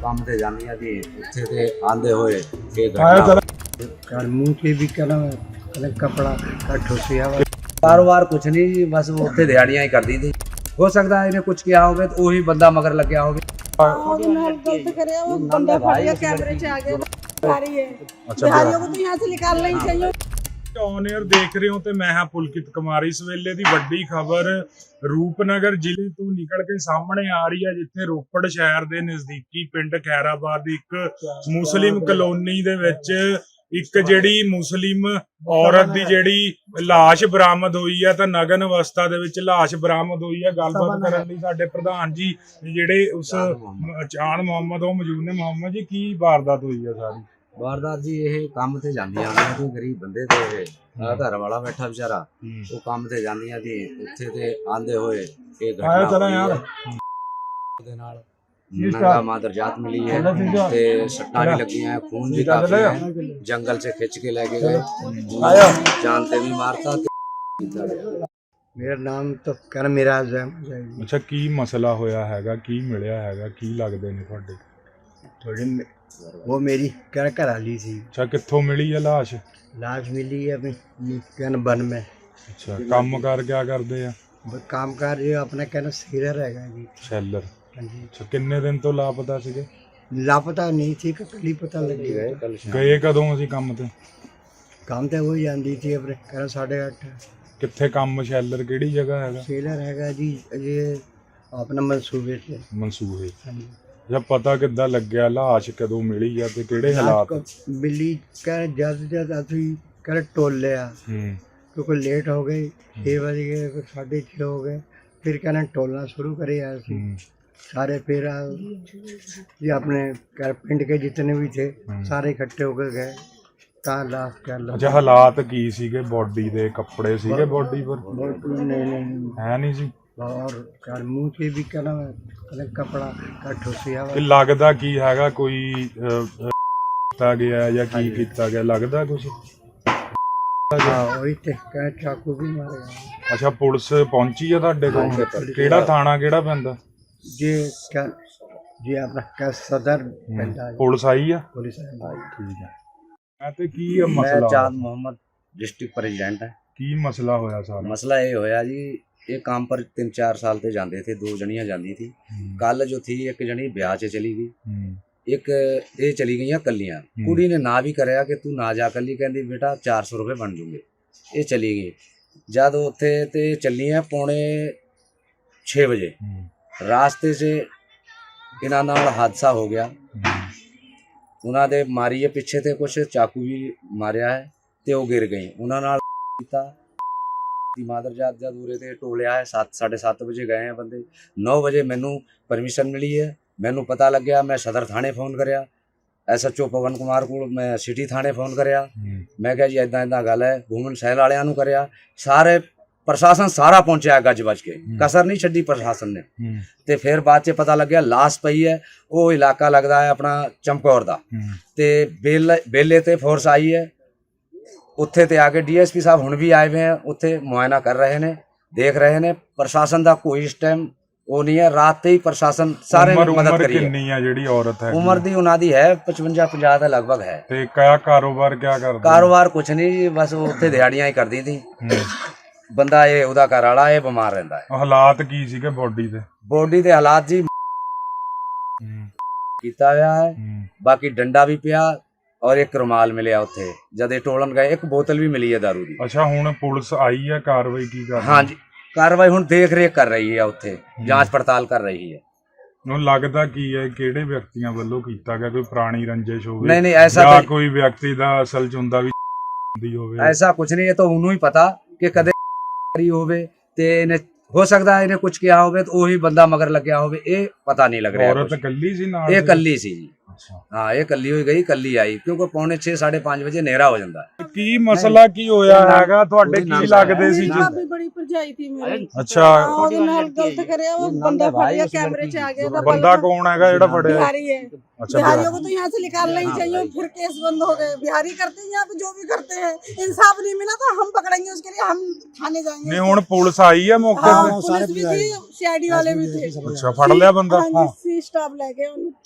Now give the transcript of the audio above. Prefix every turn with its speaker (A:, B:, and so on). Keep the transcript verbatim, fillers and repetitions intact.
A: ਕੰਮ ਤੇ ਜਾਂਦੀ ਆ ਜੀ ਉੱਥੇ ਤੇ ਆਂਦੇ ਹੋਏ ਇਹ ਘਟਨਾ
B: घर मुंह से भी करा करा कपड़ा का ठोसिया वा
A: ਕਾਰੋਬਾਰ ਕੁਛ ਨਹੀਂ ਜੀ ਬਸ ਉਹ ਉੱਥੇ ਦਿਹਾੜੀਆਂ ਹੀ ਕਰਦੀ ਸੀ ਹੋ ਸਕਦਾ ਇਹਨੇ ਕੁਝ ਕਿਹਾ ਹੋਵੇ ਤੇ ਉਹੀ ਬੰਦਾ ਮਗਰ ਲੱਗਿਆ ਹੋਵੇ
C: ਉਹਦੇ ਨਾਲ गलत करे वो बंदा फट गया कैमरे से आ गया आ रही है बिहारियों को तो यहाँ से निकालना ही चाहिए।
D: ਔਨ 에ਅਰ ਦੇਖ ਰਹੇ ਹੋ ਤੇ ਮੈਂ ਹਾਂ ਪੁਲਕਿਤ ਕੁਮਾਰ। ਇਸ ਵੇਲੇ ਦੀ ਵੱਡੀ ਖਬਰ ਰੂਪਨਗਰ ਜ਼ਿਲ੍ਹੇ ਤੋਂ ਨਿਕਲ ਕੇ ਸਾਹਮਣੇ ਆ ਰਹੀ ਹੈ, ਜਿੱਥੇ ਰੋਪੜ ਸ਼ਹਿਰ ਦੇ ਨਜ਼ਦੀਕੀ ਪਿੰਡ ਖੈਰਾਬਾਦ ਦੀ ਇੱਕ ਮੁਸਲਿਮ ਕਲੋਨੀ ਦੇ ਵਿੱਚ ਇੱਕ ਜਿਹੜੀ ਮੁਸਲਿਮ ਔਰਤ ਦੀ ਜਿਹੜੀ ਲਾਸ਼ ਬਰਾਮਦ ਹੋਈ ਹੈ ਤਾਂ ਨਗਨ ਅਵਸਥਾ ਦੇ ਵਿੱਚ ਲਾਸ਼ ਬਰਾਮਦ ਹੋਈ ਹੈ। ਗੱਲਬਾਤ ਕਰਨ ਲਈ ਸਾਡੇ ਪ੍ਰਧਾਨ ਜੀ ਜਿਹੜੇ ਉਸ ਚਾਨ ਮੁਹੰਮਦ ਉਹ ਮੌਜੂਦ ਨੇ। ਮੁਹੰਮਦ ਜੀ ਕੀ ਵਾਰਦਾਤ ਹੋਈ ਹੈ ਸਾਰੀ?
A: ਵਾਰਦਾਤ ਜੀ ਇਹ ਕੰਮ ਤੇ ਜਾਂਦੀਆਂ ਨੇ ਕੋਈ ਗਰੀਬ ਬੰਦੇ ਤੇ ਆ ਘਰ ਵਾਲਾ ਬੈਠਾ ਵਿਚਾਰਾ ਉਹ ਕੰਮ ਤੇ ਜਾਂਦੀਆਂ ਜੀ ਉੱਥੇ ਤੇ ਆਂਦੇ ਹੋਏ ਇਹ ਘਟਨਾ ਯਾਰ ਦੇ ਨਾਲ ਨੰਗਾ ਮਾਦਰ ਜਾਤ मिली है ਤੇ ਸੱਟਾਂ ਵੀ ਲੱਗੀਆਂ खून भी काफी है जंगल से खिंच के लेके गए जानते भी मारता
B: मेरा नाम तो कर मेरा
D: ਅੱਛਾ ਕੀ ਮਸਲਾ ਹੋਇਆ ਹੈਗਾ, ਕੀ ਮਿਲਿਆ ਹੈਗਾ, ਕੀ ਲੱਗਦੇ ਨੇ ਤੁਹਾਡੇ?
B: थोड़ी वो मेरी कर घर वाली थी।
D: ਅੱਛਾ ਕਿੱਥੋਂ ਮਿਲੀ ਹੈ ਲਾਸ਼?
B: लाश मिली है अपनी कन बन में।
D: ਅੱਛਾ ਕੰਮ ਕਰ ਕਿਆ ਕਰਦੇ ਆ?
B: वो काम कर जो अपना कहना सीलर हैगा जी।
D: ਸ਼ੈਲਰ।
B: हाँ जी।
D: ਅੱਛਾ ਕਿੰਨੇ ਦਿਨ ਤੋਂ ਲਾਪਤਾ ਸੀਗੇ?
B: लापता नहीं थी कल ही पता लग गया।
D: ਗਏ ਕਦੋਂ ਸੀ ਕੰਮ ਤੇ?
B: काम तो वही जाती थी अपने कहना साढ़े अठ।
D: ਕਿੱਥੇ ਕੰਮ ਸ਼ੈਲਰ ਕਿਹੜੀ ਜਗ੍ਹਾ ਹੈਗਾ?
B: सीलर हैगा जी ये अपना मंसूबे से।
D: ਮਨਸੂਬੇ।
B: हाँ जी।
D: ਜਦ ਪਤਾ ਕਿੱਦਾਂ ਲੱਗਿਆ ਲਾਸ਼ ਕਦੋਂ ਮਿਲੀ ਆ ਤੇ ਕਿਹੜੇ ਹਾਲਾਤ?
B: मिली कह ज्यादा ज्यादा अभी कर टोल लिया
D: ਹੂੰ
B: क्योंकि लेट हो गए छः बज गए फिर साढ़े छः हो गए फिर कहना टोलना शुरू करे यार
D: ਹੂੰ
B: सारे फिर ये अपने घर पिंड के जितने भी थे सारे इकट्ठे होकर गए कहाँ लाश कर लो।
D: ਅੱਛਾ ਹਾਲਾਤ ਕੀ ਸੀਗੇ? ਬੋਡੀ ਦੇ ਕੱਪੜੇ ਸੀਗੇ ਬੋਡੀ ਪਰ?
B: नहीं नहीं
D: ਹੈ ਨਹੀਂ ਸੀ।
B: और घर मुंह से भी कहना कहना कपड़ा का ठोसिया वा
D: ਕਿ ਲੱਗਦਾ ਕੀ ਹੈਗਾ ਕੋਈ ਅਹ, ਅਹ, ਕੀਤਾ ਗਿਆ ਜਾਂ ਕੀ ਕੀਤਾ ਗਿਆ ਲੱਗਦਾ ਕੁਝ?
B: हाँ वही थे कहना चाकू भी मारे गए।
D: ਅੱਛਾ ਪੁਲਿਸ ਪਹੁੰਚੀ ਆ ਤੁਹਾਡੇ ਕੋਲ? ਕਿਹੜਾ ਥਾਣਾ ਕਿਹੜਾ ਪੈਂਦਾ?
B: ये क्या ये अपना क्या सदर पैंदा है।
D: ਪੁਲਿਸ ਆਈ ਆ?
B: पुलिस आई।
D: ਠੀਕ ਹੈ। ਮੈਂ ਤੇ ਕੀ ਆ
A: ਮੈਂ
D: ਮਸਲਾ?
A: ਚਾਂਦ ਮੁਹੰਮਦ ਡਿਸਟ੍ਰਿਕਟ ਪ੍ਰੈਜ਼ੀਡੈਂਟ ਹੈ।
D: ਕੀ ਮਸਲਾ ਹੋਇਆ ਸਾਰਾ?
A: ਮਸਲਾ ਇਹ ਹੋਇਆ ਜੀ ਇਹ ਕੰਮ पर तीन चार साल ਤੇ ਜਾਂਦੇ थे दो जनियां ਜਾਂਦੀ थी। ਕੱਲ ਜੋ थी एक जनी ਵਿਆਹ 'ਚ ਚਲੀ ਗਈ
D: ਹੂੰ
A: ਇੱਕ ਇਹ ਚਲੀ ਗਈਆਂ ਕੱਲੀਆਂ। ਕੁੜੀ ਨੇ ਨਾ ਵੀ ਕਰਿਆ ਕਿ ਤੂੰ ਨਾ ਜਾ ਕੱਲੀ, ਕਹਿੰਦੀ ਬੇਟਾ ਚਾਰ ਸੌ ਰੁਪਏ ਬਣ ਜੂਗੇ। ਇਹ ਚਲੀ ਗਈ ਜਦ ਉੱਥੇ ਤੇ ਚੱਲੀਆਂ ਪੌਣੇ ਛੇ ਵਜੇ
D: ਹੂੰ
A: ਰਾਸਤੇ 'ਚ ਇਹਨਾਂ ਨਾਲ ਹਾਦਸਾ ਹੋ ਗਿਆ। ਉਹਨਾਂ ਦੇ ਮਾਰੀ ਹੈ ਪਿੱਛੇ ਤੇ ਕੁਛ ਚਾਕੂ ਵੀ ਮਾਰਿਆ ਹੈ ਤੇ ਉਹ ਗਿਰ ਗਈ। ਉਹਨਾਂ ਨਾਲ ਕੀਤਾ ਦੀ ਮਾਦਰ ਜਾਤ ਜਦ ਉਰੇ ਤੇ ਟੋਲਿਆ ਹੈ ਸੱਤ ਸਾਢੇ ਸੱਤ ਵਜੇ ਗਏ ਆ ਬੰਦੇ। ਨੌ ਵਜੇ ਮੈਨੂੰ ਪਰਮਿਸ਼ਨ ਮਿਲੀ ਹੈ, ਮੈਨੂੰ ਪਤਾ ਲੱਗਿਆ। ਮੈਂ ਸਦਰ ਥਾਣੇ ਫੋਨ ਕਰਿਆ, S H O Pawan Kumar ਕੋਲ, ਮੈਂ ਸਿਟੀ ਥਾਣੇ ਫੋਨ ਕਰਿਆ। ਮੈਂ ਕਿਹਾ ਜੀ ਇੱਦਾਂ ਇੱਦਾਂ ਗੱਲ ਹੈ। ਘੂਮਣ ਸ਼ਹਿਰ ਵਾਲਿਆਂ ਨੂੰ ਕਰਿਆ, ਸਾਰੇ ਪ੍ਰਸ਼ਾਸਨ ਸਾਰਾ ਪਹੁੰਚਿਆ ਗੱਜ ਵੱਜ ਕੇ, ਕਸਰ ਨਹੀਂ ਛੱਡੀ ਪ੍ਰਸ਼ਾਸਨ ਨੇ। ਤੇ ਫਿਰ ਬਾਅਦ 'ਚ ਪਤਾ ਲੱਗਿਆ ਲਾਸ਼ ਪਈ ਹੈ। ਉਹ ਇਲਾਕਾ ਲੱਗਦਾ ਹੈ ਆਪਣਾ ਚਮਕੌਰ ਦਾ ਤੇ ਬੇਲੇ ਬੇਲੇ ਤੇ ਫੋਰਸ ਆਈ ਹੈ। ਉੱਥੇ ਤੇ ਆ ਕੇ ਡੀ ਐਸ ਪੀ ਸਾਹਿਬ ਹੁਣ ਵੀ ਆਏ ਹੋਏ ਆ, ਉੱਥੇ ਮੁਆਇਨਾ ਕਰ ਰਹੇ ਨੇ, ਦੇਖ ਰਹੇ ਨੇ। ਪ੍ਰਸ਼ਾਸਨ ਦਾ ਕੋਈ ਇਸ ਟਾਈਮ ਉਹ ਨਹੀਂ ਹੈ। ਰਾਤ ਤੇ ਹੀ ਪ੍ਰਸ਼ਾਸਨ ਸਾਰੇ ਨੇ ਮਦਦ ਕਰੀ ਹੈ।
D: ਕਿੰਨੀ ਆ ਜਿਹੜੀ ਔਰਤ ਹੈ?
A: ਉਮਰ ਦੀ ਉਹਨਾਂ ਦੀ ਹੈ ਪਚਵੰਜਾ ਪੰਜਾਹ ਦਾ ਲਗਭਗ ਹੈ।
D: ਤੇ ਕਿਆ ਕਾਰੋਬਾਰ ਕਿਆ ਕਰਦੀ?
A: ਕਾਰੋਬਾਰ ਕੁਛ ਨਹੀਂ ਜੀ ਬਸ ਉਹ ਉੱਥੇ ਦਿਹਾੜੀਆਂ ਹੀ ਕਰਦੀ ਸੀ। ਬੰਦਾ ਇਹ ਉਹਦਾ ਘਰ ਵਾਲਾ ਇਹ ਬਿਮਾਰ ਰਹਿੰਦਾ ਹੈ।
D: ਹਾਲਾਤ ਕੀ ਸੀਗੇ ਬੋਡੀ ਦੇ?
A: ਬੋਡੀ ਦੇ ਹਾਲਾਤ ਜੀ ਕੀਤਾ ਹੋਇਆ ਹੈ, ਬਾਕੀ ਡੰਡਾ ਵੀ ਪਿਆ ਔਰ ਇੱਕ ਰੁਮਾਲ ਮਿਲਿਆ ਉੱਥੇ ਜਦ ਇਹ ਟੋਲਣ ਗਏ। ਇੱਕ ਬੋਤਲ ਵੀ ਮਿਲੀ ਹੈ ਦਾਰੂ ਦੀ।
D: ਅੱਛਾ ਹੁਣ ਪੁਲਿਸ ਆਈ ਹੈ, ਕਾਰਵਾਈ ਕੀ ਕਰ ਰਹੀ ਹੈ?
A: ਹਾਂਜੀ ਕਾਰਵਾਈ ਹੁਣ ਦੇਖ ਰੇਖ ਕਰ ਰਹੀ ਹੈ, ਉੱਥੇ ਜਾਂਚ ਪੜਤਾਲ ਕਰ ਰਹੀ ਹੈ।
D: ਨੂੰ ਲੱਗਦਾ ਕੀ ਹੈ ਕਿਹੜੇ ਵਿਅਕਤੀਆਂ ਵੱਲੋਂ ਕੀਤਾ ਗਿਆ? ਕੋਈ ਪੁਰਾਣੀ ਰੰਜਿਸ਼ ਹੋਵੇ?
A: ਨਹੀਂ ਨਹੀਂ ਐਸਾ
D: ਜਾਂ ਕੋਈ ਵਿਅਕਤੀ ਦਾ ਅਸਲ ਚ ਹੁੰਦਾ ਵੀ ਹੁੰਦੀ ਹੋਵੇ?
A: ਐਸਾ ਕੁਝ ਨਹੀਂ, ਇਹ ਤਾਂ ਉਹਨੂੰ ਹੀ ਪਤਾ ਕਿ ਕਦੇ ਹੋਵੇ ਤੇ ਇਹਨੇ ਹੋ ਸਕਦਾ ਇਹਨੇ ਕੁਝ ਕਿਹਾ ਹੋਵੇ ਤੇ ਉਹੀ ਬੰਦਾ ਮਗਰ ਲੱਗਿਆ ਹੋਵੇ। ਇਹ ਪਤਾ ਨਹੀਂ ਲੱਗ ਰਿਹਾ।
D: ਔਰਤ ਇਕੱਲੀ ਸੀ ਨਾਲ?
A: ਇਹ ਇਕੱਲੀ ਸੀ ਜੀ। हाँ ये कली हुई गई कली आई क्योंकि पौने छे साढ़े पाँच बजे नेहरा हो जाता है।
D: ਕੀ ਮਸਲਾ ਕੀ ਹੋਇਆ ਹੈਗਾ ਤੁਹਾਡੇ? ਕੀ ਲੱਗਦੇ ਸੀ ਜੀ?
C: भाभी बड़ी भरजाई थी मेरी।
D: ਅੱਛਾ
C: ਉਹਦੇ ਨਾਲ गलत करे वो बंदा फट गया कैमरे से आ गया था।
D: ਬੰਦਾ ਕੌਣ ਹੈਗਾ ਜਿਹੜਾ ਫੜਿਆ?
C: बिहारी है।
D: अच्छा
C: बिहारियों को तो यहाँ से निकालना ही चाहिए। फिर केस बंद हो गए। बिहारी करते हैं यहाँ पे जो भी करते हैं, इंसाफ नहीं मिला तो हम पकड़ेंगे, उसके लिए हम थाने जाएंगे।
D: ਨਹੀਂ ਹੁਣ ਪੁਲਿਸ ਆਈ ਹੈ ਮੌਕੇ
C: हाँ
D: ਤੇ?
C: पुलिस भी थी, सी आई डी वाले भी थे।
D: ਅੱਛਾ ਫੜ ਲਿਆ ਬੰਦਾ?
C: हाँ जी सी स्टाफ लेके